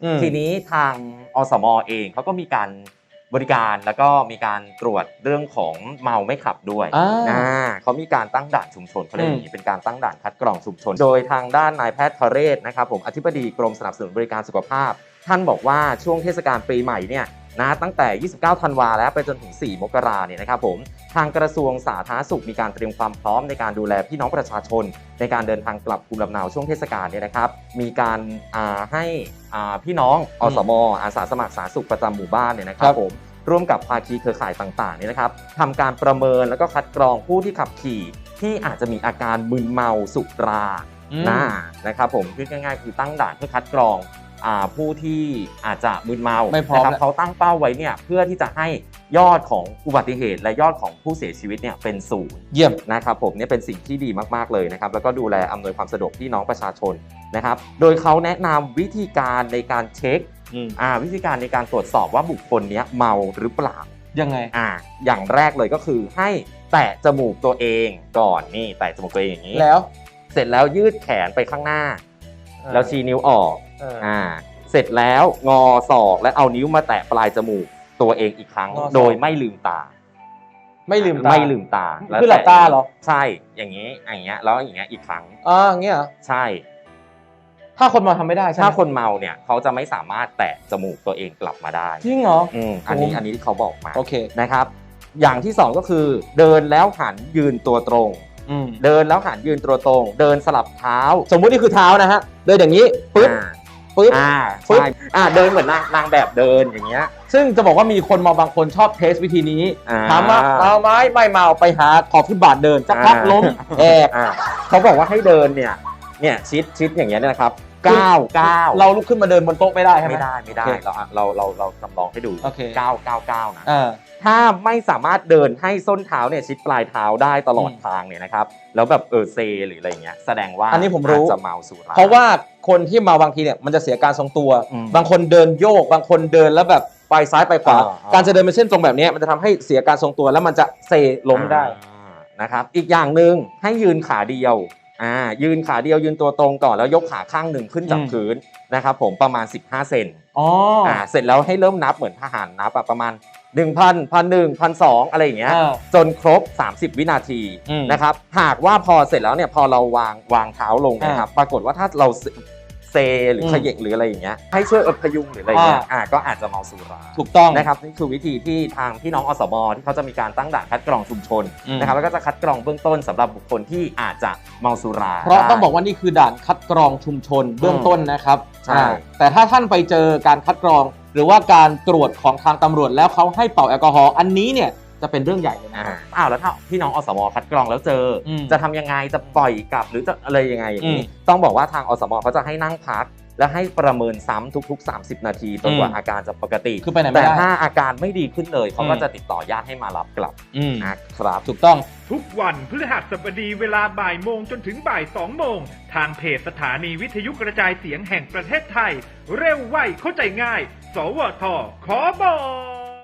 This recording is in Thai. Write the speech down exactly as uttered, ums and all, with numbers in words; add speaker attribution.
Speaker 1: ทีนี้ทางอสม.เองเขาก็มีการบริการแล้วก็มีการตรวจเรื่องของเมาไม่ขับด้วยนะเขามีการตั้งด่านชุมชนเขาเรียกอย่างนี้เป็นการตั้งด่านคัดกรองชุมชนโดยทางด้านนายแพทย์ทเรศนะครับผมอธิบดีกรมสนับสนุนบริการสุขภาพท่านบอกว่าช่วงเทศกาลปีใหม่เนี่ยนะตั้งแต่ยี่สิบเก้าธันวาแล้วไปจนถึงสี่มกราเนี่ยนะครับผมทางกระทรวงสาธารณสุขมีการเตรียมความพร้อมในการดูแลพี่น้องประชาชนในการเดินทางกลับภูมิลำเนาช่วงเทศกาลเนี่ยนะครับมีการให้พี่น้องอสม.อาสาสมัครสาธารณสุขประจำหมู่บ้านเนี่ยนะครับผมร่วมกับภาคีเครือข่ายต่างๆเนี่ยนะครับทำการประเมินแล้วก็คัดกรองผู้ที่ขับขี่ที่อาจจะมีอาการมึนเมาสุรานะนะครับผมคือง่ายๆคือตั้งด่านเพื่อคัดกรองผู้ที่อาจจะมึนเมานะครับเขาตั้งเป้าไว้เนี่ยเพื่อที่จะให้ยอดของอุบัติเหตุและยอดของผู้เสียชีวิตเนี่ยเป็นศูนย์
Speaker 2: เยี่ยม
Speaker 1: นะครับผมเนี่ยเป็นสิ่งที่ดีมากๆเลยนะครับแล้วก็ดูแลอำนวยความสะดวกพี่น้องประชาชนนะครับโดยเขาแนะนำวิธีการในการเช็คอ่าวิธีการในการตรวจสอบว่าบุคคลนี้เมาหรือเปล่า
Speaker 2: ยังไง
Speaker 1: อ่าอย่างแรกเลยก็คือให้แตะจมูกตัวเองก่อนนี่แตะจมูกตัวเองอย่างนี้
Speaker 2: แล้ว
Speaker 1: เสร็จแล้วยืดแขนไปข้างหน้าแล้วชี้นิ้วออกอ่าเสร็จแล้วงอศอกและเอานิ้วมาแตะปลายจมูกตัวเองอีกครั้งโดยไม่ลืมตา
Speaker 2: ไม่ลืมตา
Speaker 1: ไม่ลืมตา
Speaker 2: คือหลับตาเหรอ
Speaker 1: ใช่อย่างนี้อย่างเงี้ยแล้วอย่างเงี้ยอีกครั้ง
Speaker 2: อ๋ออย่างเงี้ยเหรอ
Speaker 1: ใช่
Speaker 2: ถ้าคนเมาทำไม่ได้ใช่ไหม
Speaker 1: ถ้าคนเมาเนี่ยเขาจะไม่สามารถแตะจมูกตัวเองกลับมาได้
Speaker 2: จริงเหรอ
Speaker 1: อืมอันนี้อันนี้ที่เขาบอกมา
Speaker 2: โอเค
Speaker 1: นะครับอย่างที่สองก็คือเดินแล้วหันยืนตัวตรงเดินแล้วหันยืนตัวตรงเดินสลับเท้า
Speaker 2: สมมุตินี่คือเท้านะฮะเดินอย่างนี้ปึ๊บ
Speaker 1: ปึ๊บอ่าใช่อ่าเดินเหมือนนางนางแบบเดินอย่างเงี้ย
Speaker 2: ซึ่งจะบอกว่ามีคนเมาบางคนชอบเทสวิธีนี้ถามว่าเมาไหมไม่เมาไปหาขอบฟุตบาทเดินสักพักล้มแอบ
Speaker 1: เขาบอกว่าให้เดินเนี่ยเนี่ยชิดชิดอย่างเงี้ยนะครับก้าวก้าว
Speaker 2: เราลุกขึ้นมาเดินบนโต๊ะไม่ได้ใช่ไหม
Speaker 1: ไม่ได้ไม่ได้เราเราเราเราจำลองให้ดูก้าวก้าวก้าวนะถ้าไม่สามารถเดินให้ส้นเท้าเนี่ยชิดปลายเท้าได้ตลอดทางเนี่ยนะครับแล้วแบบเออเซหรืออะไรเงี้ยแสดงว่า
Speaker 2: อันนี้ผมรู้
Speaker 1: จะเมาสุรา
Speaker 2: เพราะว่าคนที่เมาบางทีเนี่ยมันจะเสียการทรงตัวบางคนเดินโยกบางคนเดินแล้วแบบไปซ้ายไปขวาการจะเดินเป็นเส้นตรงแบบนี้มันจะทำให้เสียการทรงตัวแล้วมันจะเซล้มได้
Speaker 1: นะครับอีกอย่างหนึ่งให้ยืนขาเดียวอ่ายืนขาเดียวยืนตัวตรงก่อนแล้วยกขาข้างหนึ่งขึ้นจากพื้นนะครับผมประมาณสิบห้าเซน
Speaker 2: อ๋อ
Speaker 1: อ่าเสร็จแล้วให้เริ่มนับเหมือนทหารนับประมาณหนึ่งพัน พันหนึ่ง พันสองอะไรอย่างเงี้ยจนครบสามสิบวินาทีนะครับหากว่าพอเสร็จแล้วเนี่ยพอเราวางวางเท้าลงนะครับปรากฏว่าถ้าเราเซหรือเขย่งหรืออะไรอย่างเงี้ยให้ช่วยอดพยุงหรืออะไรเงี้ยอ่าก็อาจจะเมาสุรา
Speaker 2: ถูกต้อง
Speaker 1: นะครับนี่คือวิธีที่ทางพี่น้องอสม.ที่เขาจะมีการตั้งด่านคัดกรองชุมชนนะครับแล้วก็จะคัดกรองเบื้องต้นสำหรับบุคคลที่อาจจะเมาสุรา
Speaker 2: เพราะต้องบอกว่านี่คือด่านคัดกรองชุมชนเบื้องต้นนะครับ
Speaker 1: ใช่
Speaker 2: แต่ถ้าท่านไปเจอการคัดกรองหรือว่าการตรวจของทางตำรวจแล้วเขาให้เป่าแอลกอฮอล์อันนี้เนี่ยจะเป็นเรื่องใหญ่เลยนะ
Speaker 1: อ้าวแล้วถ้าพี่น้องอสม.คัดกรองแล้วเจอจะทำยังไงจะปล่อยกลับหรือจะอะไรยังไงอย่างนี้ต้องบอกว่าทางอสม.เขาจะให้นั่งพักและให้ประเมินซ้ำทุกๆสามสิบนาทีจนกว่าอาการจะปกติ
Speaker 2: คือไปไหนไม่
Speaker 1: ได้
Speaker 2: แต่
Speaker 1: ถ้าอาการไม่ดีขึ้นเลยเขาก็จะติดต่อญาติให้มารับกลับนะครับ
Speaker 2: ถูกต้อง
Speaker 3: ทุกวันพฤหัสบดีเวลาบ่ายโมงจนถึงบ่ายสองโมงทางเพจสถานีวิทยุกระจายเสียงแห่งประเทศไทยเร็วไวเข้าใจง่ายสวทขอบอก